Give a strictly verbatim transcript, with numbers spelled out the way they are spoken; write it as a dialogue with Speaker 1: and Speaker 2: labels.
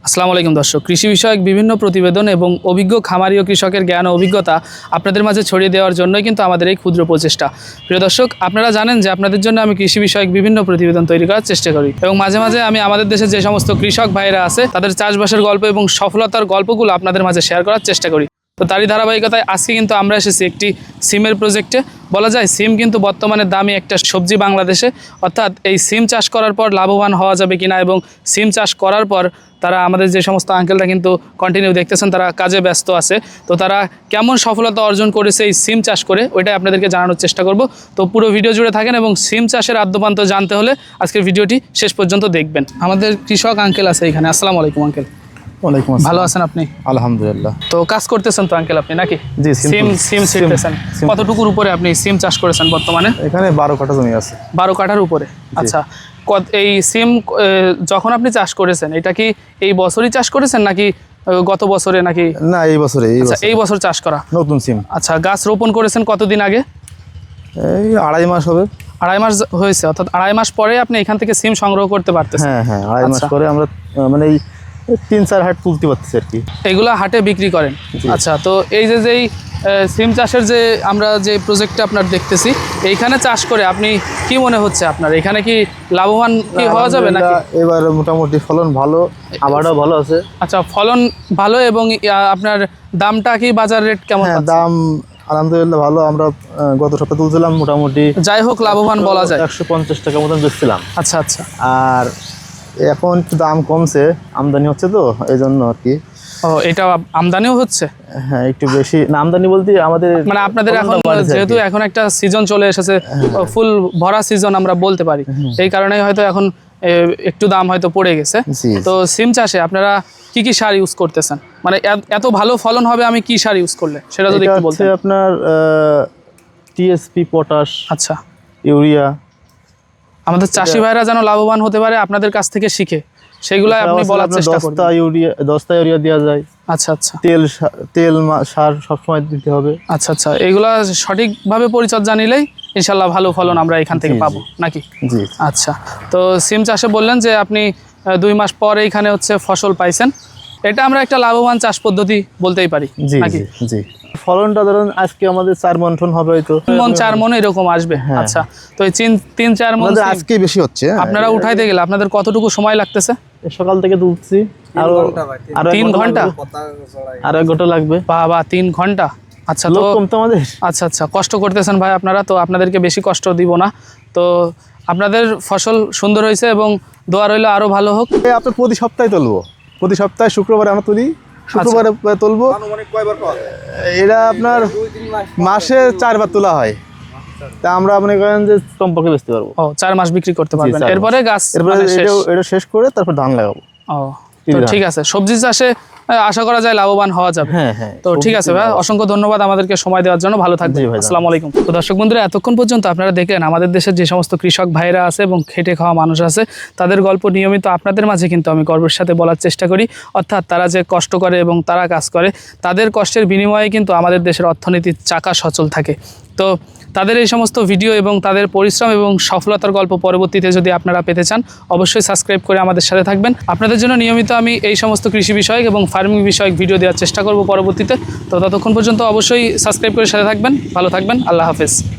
Speaker 1: আসসালামু আলাইকুম দর্শক, কৃষি বিষয়ক বিভিন্ন প্রতিবেদন এবং অভিজ্ঞ খামারি ও কৃষকের জ্ঞান ও অভিজ্ঞতা আপনাদের মাঝে ছড়িয়ে দেওয়ার জন্যই কিন্তু আমাদের এই ক্ষুদ্র প্রচেষ্টা। প্রিয় দর্শক, আপনারা জানেন যে আপনাদের জন্য আমি কৃষি বিষয়ক বিভিন্ন প্রতিবেদন তৈরি করার চেষ্টা করি এবং মাঝে মাঝে আমি আমাদের দেশে যে সমস্ত কৃষক ভাইরা আছে তাদের চাষবাসের গল্প এবং সফলতার গল্পগুলো আপনাদের মাঝে শেয়ার করার চেষ্টা করি। তো তারই ধারাবাহিকতায় আজকে কিন্তু আমরা এসেছি একটি সিমের প্রজেক্টে। বলা যায় সিম কিন্তু বর্তমানে দামি একটা সবজি বাংলাদেশে, অর্থাৎ এই সিম চাষ করার পর লাভবান হওয়া যাবে কিনা এবং সিম চাষ করার পর তারা আমাদের যে সমস্ত আঙ্কেলরা কিন্তু কন্টিনিউ দেখতেছেন তারা কাজে ব্যস্ত আছে, তো তারা কেমন সফলতা অর্জন করেছে এই সিম চাষ করে ওইটাই আপনাদেরকে জানানোর চেষ্টা করব। তো পুরো ভিডিও জুড়ে থাকেন এবং সিম চাষের আদ্যপান্ত জানতে হলে আজকের ভিডিওটি শেষ পর্যন্ত দেখবেন। আমাদের কৃষক আঙ্কেল আছে এখানে। আসসালামু আলাইকুম আঙ্কেল।
Speaker 2: ওয়ালাইকুম আসসালাম।
Speaker 1: ভালো আছেন আপনি?
Speaker 2: আলহামদুলিল্লাহ।
Speaker 1: তো কাজ করতেছেন তো আঙ্কেল আপনি নাকি?
Speaker 2: জি,
Speaker 1: সিম সিম ছিটতেছেন। কতটুকুর উপরে আপনি সিম চাষ করেছেন বর্তমানে?
Speaker 2: এখানে বারো কাঠা জমি আছে।
Speaker 1: বারো কাঠার উপরে। আচ্ছা, এই সিম যখন আপনি চাষ করেছেন এটা কি এই বছরই চাষ করেছেন নাকি গত বছরে নাকি?
Speaker 2: না, এই বছরে।
Speaker 1: এই বছর চাষ করা
Speaker 2: নতুন সিম।
Speaker 1: আচ্ছা, গাছ রোপণ করেছেন কতদিন আগে?
Speaker 2: এই আড়াই মাস হবে।
Speaker 1: আড়াই মাস হয়েছে, অর্থাৎ আড়াই মাস পরে আপনি এখান থেকে সিম সংগ্রহ করতে পারতেছেন?
Speaker 2: হ্যাঁ হ্যাঁ, আড়াই মাস পরে আমরা মানে এই তিন চার হাট তুলতে পারতেছি আর কি।
Speaker 1: এগুলা হাটে বিক্রি করেন? আচ্ছা, তো এই যে যেই সিম চাষের যে আমরা যে প্রজেক্টটা আপনার দেখতেছি এইখানে চাষ করে আপনি কি মনে হচ্ছে আপনার এখানে কি লাভবান কি হওয়া যাবে নাকি?
Speaker 2: এবার মোটামুটি ফলন ভালো, আবারও ভালো আছে।
Speaker 1: আচ্ছা, ফলন ভালো এবং আপনার দামটা কি বাজার রেট কেমন?
Speaker 2: দাম আলহামদুলিল্লাহ ভালো। আমরা গত সপ্তাহে তুলছিলাম মোটামুটি,
Speaker 1: যাই হোক লাভবান বলা যায়,
Speaker 2: একশো পঞ্চাশ টাকা মতন বেচছিলাম।
Speaker 1: আচ্ছা আচ্ছা।
Speaker 2: আর এখন একটু দাম কমছে, আমদানি হচ্ছে তো এই জন্য আর কি।
Speaker 1: ও, এটা আমদানিও হচ্ছে?
Speaker 2: হ্যাঁ, একটু বেশি না আমদানি বলতে আমাদের
Speaker 1: মানে আপনাদের এখন যেহেতু এখন একটা সিজন চলে এসেছে, ফুল ভরা সিজন আমরা বলতে পারি, এই কারণেই হয়তো এখন একটু দাম হয়তো পড়ে গেছে। তো সিম চাষে আপনারা কি কি সার ইউজ করতেছেন? মানে এত ভালো ফলন হবে আমি কি সার ইউজ করলে সেটা যদি একটু বলতেন।
Speaker 2: আপনার টিএসপি, পটাশ,
Speaker 1: আচ্ছা,
Speaker 2: ইউরিয়া।
Speaker 1: আমাদের চাষি ভাইরা যেন লাভবান হতে পারে আপনাদের কাছ থেকে শিখে, সেগুলো আপনি বলার চেষ্টা করবেন।
Speaker 2: দশটা ইউরিয়া দশটা ইউরিয়া দেওয়া যায়।
Speaker 1: আচ্ছা আচ্ছা।
Speaker 2: তেল তেল সার সবসময় দিতে হবে।
Speaker 1: আচ্ছা আচ্ছা, এগুলা সঠিকভাবে পরিচর্যা নিলেই ইনশাল্লাহ ভালো ফলন আমরা এখান থেকে পাবো নাকি?
Speaker 2: জি।
Speaker 1: আচ্ছা, তো সিম চাষে বললেন যে আপনি দুই মাস পর এইখানে হচ্ছে ফসল পাইছেন, এটা আমরা একটা লাভবান চাষ পদ্ধতি বলতেই পারি নাকি?
Speaker 2: জি। ফলনটা ধরুন আজকে আমাদের চার মন টন হবে, হয়তো
Speaker 1: মন চার মন এরকম আসবে। আচ্ছা, তো এই তিন চার মন
Speaker 2: আজকে বেশি হচ্ছে।
Speaker 1: আপনারা উঠাইতে গেলে আপনাদের কতটুকু সময় লাগতেছে?
Speaker 2: সকাল থেকে তুলছি, আরো আরো
Speaker 1: তিন ঘন্টা
Speaker 2: আর এক ঘন্টা লাগবে।
Speaker 1: বাবা, তিন ঘন্টা। আচ্ছা, তো
Speaker 2: আমাদের
Speaker 1: আচ্ছা আচ্ছা কষ্ট করতেছেন ভাই আপনারা, তো আপনাদেরকে বেশি কষ্ট দিব না। তো আপনাদের ফসল সুন্দর হয়েছে এবং দোয়া রইল আরো ভালো হোক।
Speaker 2: আপনার প্রতি সপ্তাহে তুলবো, প্রতি সপ্তাহে শুক্রবারে আমরা তুলি, শুক্রবারে তুলবো। এটা আপনার মাসে চারবার তোলা হয়, তা আমরা মনে করেন যে কমপক্ষে বেচতে পারবো।
Speaker 1: ও, চার মাস বিক্রি করতে পারবেন, এরপরে গাছ
Speaker 2: এটা শেষ করে তারপর ধান লাগাবো।
Speaker 1: ও, তো ঠিক আছে। সবজি চাষে আশা করা যায় লাভবান হওয়া যাবে।
Speaker 2: হ্যাঁ হ্যাঁ,
Speaker 1: তো ঠিক আছে ভাই, অসংখ্য ধন্যবাদ আমাদেরকে সময় দেওয়ার জন্য। ভালো থাকবেন। আসসালামু আলাইকুম। তো দর্শক বন্ধুরা, এতক্ষণ পর্যন্ত আপনারা দেখলেন আমাদের দেশের যে সমস্ত কৃষক ভাইরা আছে এবং খেটে খাওয়া মানুষ আছে তাদের গল্প নিয়মিত আপনাদের মাঝে কিন্তু আমি গর্বের সাথে বলার চেষ্টা করি। অর্থাৎ তারা যে কষ্ট করে এবং তারা কাজ করে, তাদের কষ্টের বিনিময়ে কিন্তু আমাদের দেশের অর্থনীতির চাকা সচল থাকে। তো তাদের এই সমস্ত ভিডিও এবং তাদের পরিশ্রম এবং সফলতার গল্প পরবর্তীতে যদি আপনারা পেতে চান অবশ্যই সাবস্ক্রাইব করে আমাদের সাথে থাকবেন। আপনাদের জন্য নিয়মিত আমি এই সমস্ত কৃষি বিষয়ক এবং ফার্মিং বিষয়ক ভিডিও দেওয়ার চেষ্টা করব পরবর্তীতে। তো ততক্ষণ পর্যন্ত অবশ্যই সাবস্ক্রাইব করে সাথে থাকবেন। ভালো থাকবেন। আল্লাহ হাফেজ।